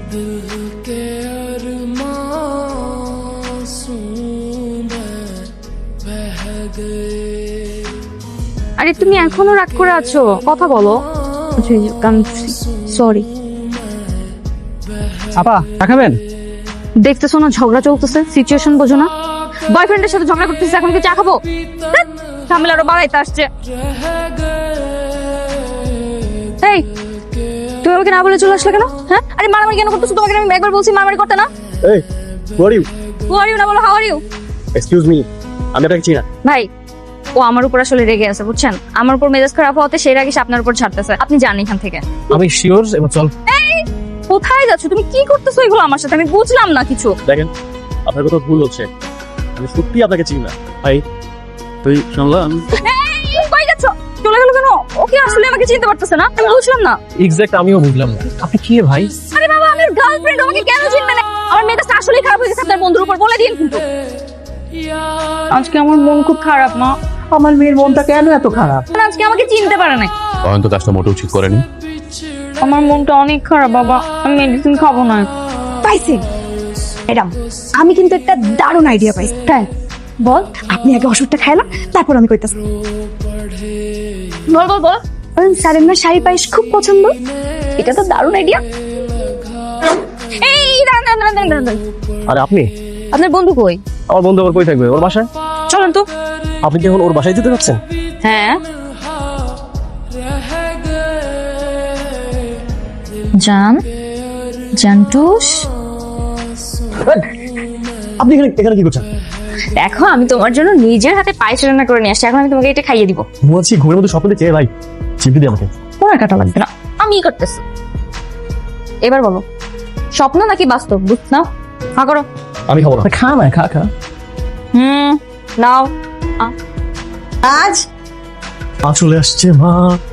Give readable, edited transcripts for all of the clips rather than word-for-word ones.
আরে তুমি এখনো রাগ করে আছো, কথা বলো। সরি আপা দেখাবেন? দেখতেছো না ঝগড়া চলতেছে, সিচুয়েশন বোঝো না? বয়ফ্রেন্ডের সাথে ঝগড়া করতেছে, এখন কি চা খাবো? ঝামেলা আরো বাড়াইতে আসছে। এই তুমি আমাকে না বলে চলে আসলে কেন? হ্যাঁ, আরে মারামারি কেন করতেছো? তোমাকে আমি একবার বলছি মারামারি করতে না। এই হু are you? Who R you না বলো how are you. Excuse me, আমি আপনাকে চিনি না। ভাই ও আমার উপর আসলে রেগে আছে, বুঝছেন? আমার উপর মেজাজ খারাপ হতে সেই রাগে সে আপনার উপর ছাড়তেছে। আপনি যান এখান থেকে। আমি শিওর, এবার চল। এই কোথায় যাচ্ছ তুমি? কি করতেছো এগুলো আমার সাথে? আমি বুঝলাম না কিছু। দেখেন আপনার কোথাও ভুল হচ্ছে, আমি সত্যি আপনাকে চিনি না। ভাই তুই শুনলাম এই কই যাচ্ছ? চলে গেল কেন? ওকে আসলে আমাকে চিনতে পারতেছে না, আমি বুঝলাম না। এক্স্যাক্ট আমিও বুঝলাম না। আপনি কি ভাই? আরে বাবা আমি গার্লফ্রেন্ড, আমাকে কেন চিনবে না? আমার মেজাজটা আসলেই খারাপ হয়ে গেছে আপনার বন্ধুর উপর, বলে দিন কিন্তু। আজকে আমার মন খুব খারাপ মা। আমার মেয়ের মনটা কেন এত খারাপ? আজকে আমাকে চিনতে পারে নাই। অয়ন তো কাজটা মোটেও ঠিক করেনি। আমার মনটা অনেক খারাপ বাবা, আমি মেডিসিন খাবো না। পাইছি ম্যাডাম, আমি কিন্তু একটা দারুণ আইডিয়া পাইছি। হ্যাঁ বল, আপনি আগে ওষুধটা খাইলাম, তারপর আমি কইতাছি। বল বল বল। স্যারের না শাড়ি পায়েস খুব পছন্দ। এটা তো দারুণ আইডিয়া। এই দাঁড়ান দাঁড়ান দাঁড়ান দাঁড়ান। আরে আপনি? আপনার বন্ধু কই? আমার বন্ধু আবার কই থাকবে? ওর বাসায়। চলেন তো। আপনি কি এখন ওর বাসায় যেতে যাচ্ছেন? হ্যাঁ জান, জান্টুস আপনি এখানে কি করছেন? দেখো আমি তোমার জন্য নিজের হাতে পায়েস রান্না করে নিয়ে আসছি, এখন আমি তোমাকে এটা খাইয়ে দিব। ঘুমাচ্ছি, ঘুমের মধ্যে স্বপ্ন দেখছি। ভাই চিপি দিয়ে আমাকে। তোমার কাটা লাগবে না, আমি করতেছি। এবার বলো স্বপ্ন নাকি বাস্তব? বুঝ নাও, হা করো। আমি খাবো না। খা না, খা খা। নাও। আজ চলে আসছে মা।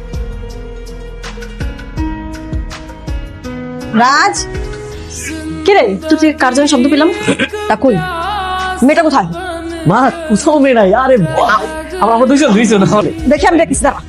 রাজ কি রে, তুই কার জন্য শব্দ পেলাম? তা কই মেয়েটা কোথায়? মা কোথাও মেয়ে নাই। আরে আমরা দুইজন দেখি আমি দেখছি, দাঁড়া।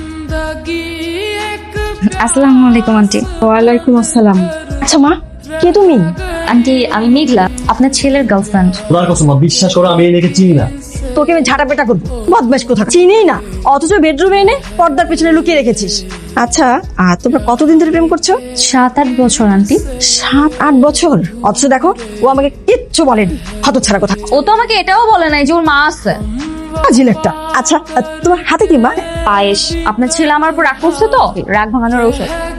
আসসালামু আলাইকুম আন্টি। ওয়ালাইকুম আসসালাম। আচ্ছা মা, কে তুমি? আন্টি আমি মেঘলা, আপনার ছেলের গার্লফ্রেন্ড। তোর কসম মা, বিশ্বাস করো আমি এটাকে চিনি না। তোকে আমি ঝাঁটা পেটা করবো, বদমাশ কোথা, চিনি না, অথচ বেডরুমে এনে পর্দার পেছনে লুকিয়ে রেখেছিস। আচ্ছা আর তোমরা কতদিন ধরে প্রেম করছো? 7-8 বছর আন্টি। 7-8 বছর? অথচ দেখো ও আমাকে কিচ্ছু বলেনি, হতচ্ছাড়া কথা। ও তো আমাকে এটাও বলে নাই যে ওর মা আছে। আজিল একটা। আচ্ছা তোমার হাতে কি মা? পায়েস। আপনার ছেলে আমার উপর রাগ করছে তো, রাগ ভাঙানোর ঔষধ।